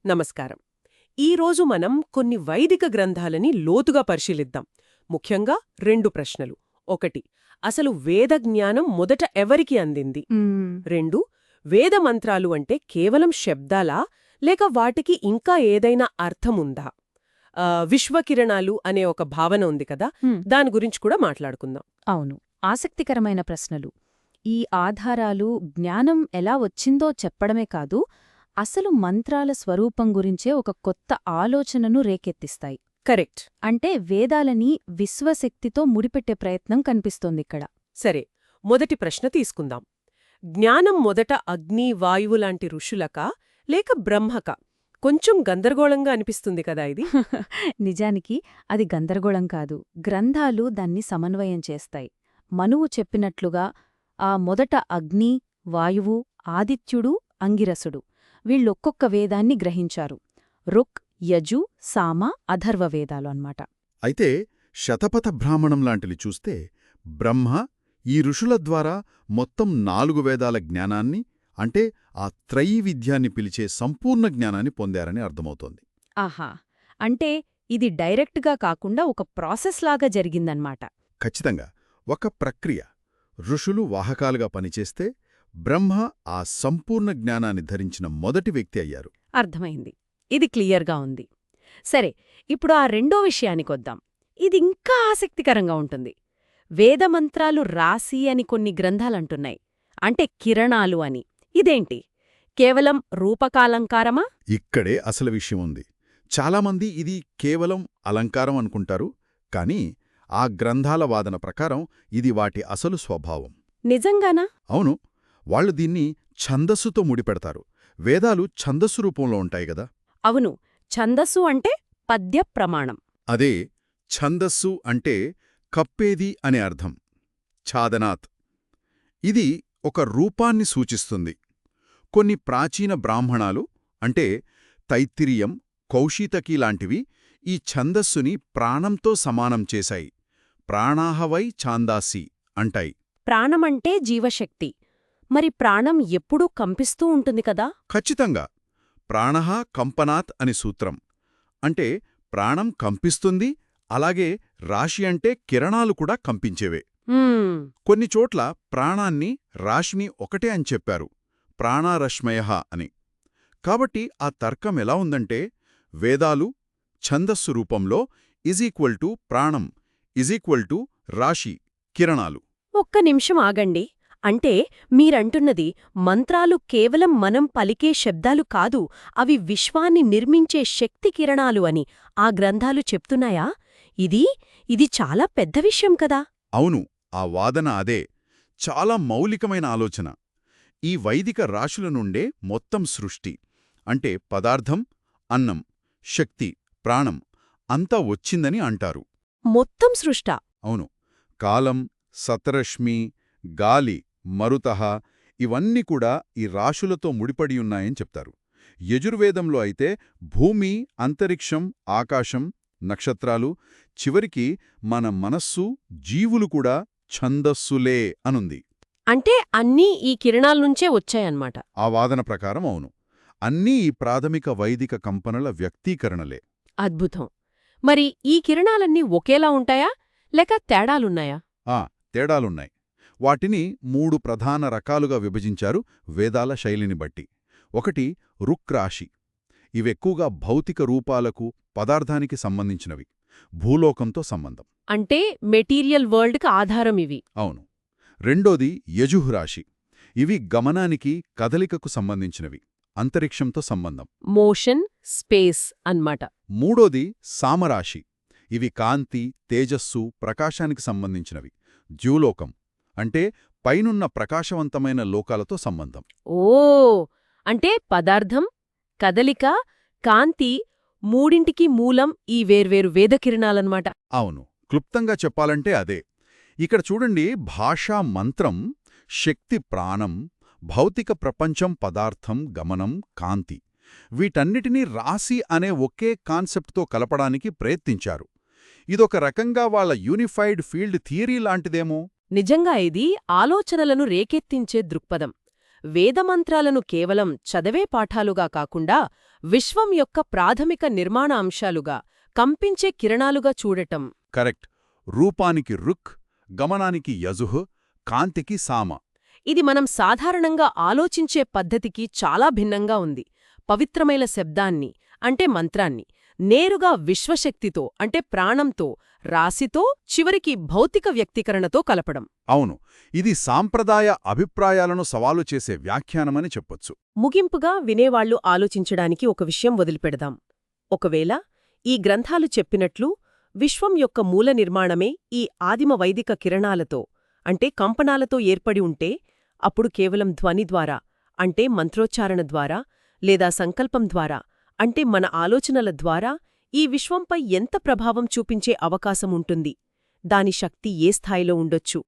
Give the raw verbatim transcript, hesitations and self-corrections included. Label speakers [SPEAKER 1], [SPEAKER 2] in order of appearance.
[SPEAKER 1] నమస్కారం. ఈరోజు మనం కొన్ని వైదిక గ్రంథాలని లోతుగా పరిశీలిద్దాం. ముఖ్యంగా రెండు ప్రశ్నలు. ఒకటి, అసలు వేద జ్ఞానం మొదట ఎవరికి అందింది?
[SPEAKER 2] మ్మ్.
[SPEAKER 1] రెండు, వేద మంత్రాలు అంటే కేవలం శబ్దాలా లేక వాటికి ఇంకా ఏదైనా అర్థముందా? ఆ, విశ్వకిరణాలు అనే ఒక భావన ఉంది కదా,
[SPEAKER 2] హ్మ్.
[SPEAKER 1] దాని గురించి కూడా మాట్లాడుకుందాం.
[SPEAKER 2] అవును, ఆసక్తికరమైన ప్రశ్నలు. ఈ ఆధారాలు జ్ఞానం ఎలా వచ్చిందో చెప్పడమే కాదు, అసలు మంత్రాల స్వరూపం గురించే ఒక కొత్త ఆలోచనను రేకెత్తిస్తాయి.
[SPEAKER 1] కరెక్ట్.
[SPEAKER 2] అంటే వేదాలని విశ్వశక్తితో ముడిపెట్టే ప్రయత్నం కనిపిస్తోందిక్కడ.
[SPEAKER 1] సరే, మొదటి ప్రశ్న తీసుకుందాం. జ్ఞానం మొదట అగ్ని, వాయువు లాంటి ఋషులకా లేక బ్రహ్మక? కొంచెం గందరగోళంగా అనిపిస్తుంది కదా ఇది.
[SPEAKER 2] నిజానికి అది గందరగోళం కాదు, గ్రంథాలు దాన్ని సమన్వయం చేస్తాయి. మనువు చెప్పినట్లుగా ఆ మొదట అగ్ని, వాయువు, ఆదిత్యుడు, అంగిరసుడు వీళ్ళొక్కొక్క వేదాన్ని గ్రహించారు. రుక్, యజు, సామ, అథర్వ వేదాలు అన్నమాట.
[SPEAKER 3] అయితే శతపథ బ్రాహ్మణం లాంటివి చూస్తే బ్రహ్మ ఈ ఋషుల ద్వారా మొత్తం నాలుగు వేదాల జ్ఞానాన్ని, అంటే ఆ త్రయీ విద్యాన్ని పిలిచే సంపూర్ణ జ్ఞానాన్ని పొందారని అర్థమవుతోంది.
[SPEAKER 2] ఆహా, అంటే ఇది డైరెక్ట్గా కాకుండా ఒక ప్రాసెస్లాగా జరిగిందన్నమాట.
[SPEAKER 3] ఖచ్చితంగా ఒక ప్రక్రియ. ఋషులు వాహకాలుగా పనిచేస్తే బ్రహ్మ ఆ సంపూర్ణ జ్ఞానాన్ని ధరించిన మొదటి వ్యక్తి అయ్యారు.
[SPEAKER 2] అర్థమైంది, ఇది క్లియర్గా ఉంది. సరే, ఇప్పుడు ఆ రెండో విషయానికొద్దాం. ఇది ఇంకా ఆసక్తికరంగా ఉంటుంది. వేదమంత్రాలు రాసి అని కొన్ని గ్రంథాలంటున్నాయి, అంటే కిరణాలు అని. ఇదేంటి, కేవలం రూపకాలంకారమా?
[SPEAKER 3] ఇక్కడే అసలు విషయం ఉంది. చాలామంది ఇది కేవలం అలంకారం అనుకుంటారు, కానీ ఆ గ్రంథాల వాదన ప్రకారం ఇది వాటి అసలు స్వభావం.
[SPEAKER 2] నిజంగానా?
[SPEAKER 3] అవును, వాళ్ళు దీన్ని ఛందస్సుతో ముడిపెడతారు. వేదాలు ఛందస్సు రూపంలో ఉంటాయి గదా.
[SPEAKER 2] అవును, ఛందస్సు అంటే పద్య ప్రమాణం.
[SPEAKER 3] అదే ఛందస్సు అంటే కప్పేది అనే అర్థం. ఛాదనాత్. ఇది ఒక రూపాన్ని సూచిస్తుంది. కొన్ని ప్రాచీన బ్రాహ్మణాలు, అంటే తైత్తిరీయం, కౌశీతకి లాంటివి ఈ ఛందస్సుని ప్రాణంతో సమానం చేశాయి. ప్రాణాహవై ఛాందాసి అంటాయి.
[SPEAKER 2] ప్రాణమంటే జీవశక్తి. మరి ప్రాణం ఎప్పుడూ కంపిస్తూ ఉంటుంది కదా.
[SPEAKER 3] ఖచ్చితంగా. ప్రాణః కంపనాత్ అని సూత్రం. అంటే ప్రాణం కంపిస్తుంది, అలాగే రాశి అంటే కిరణాలు కూడా కంపించేవే.
[SPEAKER 2] మ్మ్.
[SPEAKER 3] కొన్ని చోట్ల ప్రాణాన్ని, రాశిని ఒకటే అని చెప్పారు, ప్రాణారశ్మయః అని. కాబట్టి ఆ తర్కం ఎలా ఉందంటే, వేదాలు ఛందస్సు రూపంలో ఇజ్ ఈక్వల్ టు ప్రాణం ఇజ్ ఈక్వల్ టు రాశి, కిరణాలు.
[SPEAKER 2] ఒక్క నిమిషం ఆగండి. అంటే మీరంటున్నది మంత్రాలు కేవలం మనం పలికే శబ్దాలు కాదు, అవి విశ్వాన్ని నిర్మించే శక్తి కిరణాలు అని ఆ గ్రంథాలు చెప్తున్నాయా? ఇది ఇది చాలా పెద్ద విషయం కదా.
[SPEAKER 3] అవును, ఆ వాదన అదే. చాలా మౌలికమైన ఆలోచన. ఈ వైదిక రాశుల నుండే మొత్తం సృష్టి, అంటే పదార్థం, అన్నం, శక్తి, ప్రాణం అంతా వచ్చిందని అంటారు.
[SPEAKER 2] మొత్తం సృష్టా?
[SPEAKER 3] అవును. కాలం, సతరశ్మి, గాలి, మరుతః ఇవన్నీ కూడా ఈ రాశులతో ముడిపడియున్నాయని చెప్తారు. యజుర్వేదంలో అయితే భూమి, అంతరిక్షం, ఆకాశం, నక్షత్రాలు, చివరికి మన మనస్సు, జీవులు కూడా ఛందస్సులే అనుంది.
[SPEAKER 2] అంటే అన్నీ ఈ కిరణాల్నుంచే వచ్చాయన్నమాట.
[SPEAKER 3] ఆ వాదన ప్రకారం అవును, అన్నీ ఈ ప్రాథమిక వైదిక కంపనల వ్యక్తీకరణలే.
[SPEAKER 2] అద్భుతం. మరి ఈ కిరణాలన్నీ ఒకేలా ఉంటాయా లేక తేడాలున్నాయా?
[SPEAKER 3] ఆ తేడాలున్నాయి. వాటిని మూడు ప్రధాన రకాలుగా విభజించారు వేదాల శైలిని బట్టి. ఒకటి రుక్ రాశి. ఇవెక్కువగా భౌతిక రూపాలకు, పదార్థానికి సంబంధించినవి, భూలోకంతో సంబంధం.
[SPEAKER 2] అంటే మెటీరియల్ వరల్డ్కి ఆధారం ఇవి.
[SPEAKER 3] అవును. రెండోది యజుః రాశి. ఇవి గమనానికి, కదలికకు సంబంధించినవి, అంతరిక్షంతో సంబంధం.
[SPEAKER 2] మోషన్, స్పేస్ అన్నమాట.
[SPEAKER 3] మూడోది సామరాశి. ఇవి కాంతి, తేజస్సు, ప్రకాశానికి సంబంధించినవి, ద్యూలోకం, అంటే పైనున్న ప్రకాశవంతమైన లోకాలతో సంబంధం.
[SPEAKER 2] ఓ, అంటే పదార్థం, కదలిక, కాంతి మూడింటికి మూలం ఈ వేర్వేరు వేదకిరణాలన్నమాట.
[SPEAKER 3] అవును, క్లుప్తంగా చెప్పాలంటే అదే. ఇక్కడ చూడండి, భాషా మంత్రం, శక్తి ప్రాణం, భౌతిక ప్రపంచం పదార్థం, గమనం, కాంతి, వీటన్నిటినీ రాశి అనే ఒకే కాన్సెప్ట్తో కలపడానికి ప్రయత్నించారు. ఇదొక రకంగా వాళ్ళ యూనిఫైడ్ ఫీల్డ్ థియరీ లాంటిదేమో.
[SPEAKER 2] నిజంగా ఇది ఆలోచనలను రేకెత్తించే దృక్పథం.
[SPEAKER 1] వేదమంత్రాలను కేవలం చదివే పాఠాలుగా కాకుండా విశ్వం యొక్క ప్రాథమిక నిర్మాణ అంశాలుగా, కంపించే కిరణాలుగా చూడటం.
[SPEAKER 3] కరెక్ట్. రూపానికి రుక్, గమనానికి యజుః, కాంతికి సామ.
[SPEAKER 1] ఇది మనం సాధారణంగా ఆలోచించే పద్ధతికి చాలా భిన్నంగా ఉంది. పవిత్రమైన శబ్దాన్ని, అంటే మంత్రాన్ని, నేరుగా విశ్వశక్తితో అంటే ప్రాణంతో, రాశితో, చివరికి భౌతిక వ్యక్తీకరణతో కలపడం.
[SPEAKER 3] అవును, ఇది సాంప్రదాయ అభిప్రాయాలను సవాలు చేసే వ్యాఖ్యానమని చెప్పొచ్చు.
[SPEAKER 1] ముగింపుగా వినేవాళ్లు ఆలోచించడానికి ఒక విషయం వదిలిపెడదాం. ఒకవేళ ఈ గ్రంథాలు చెప్పినట్లు విశ్వం యొక్క మూల నిర్మాణమే ఈ ఆదిమ వైదిక కిరణాలతో, అంటే కంపనాలతో ఏర్పడి ఉంటే, అప్పుడు కేవలం ధ్వని ద్వారా, అంటే మంత్రోచ్చారణ ద్వారా, లేదా సంకల్పం ద్వారా, అంటే మన ఆలోచనల ద్వారా ఈ విశ్వంపై ఎంత ప్రభావం చూపించే అవకాశముంటుంది? దాని శక్తి ఏ స్థాయిలో ఉండొచ్చు?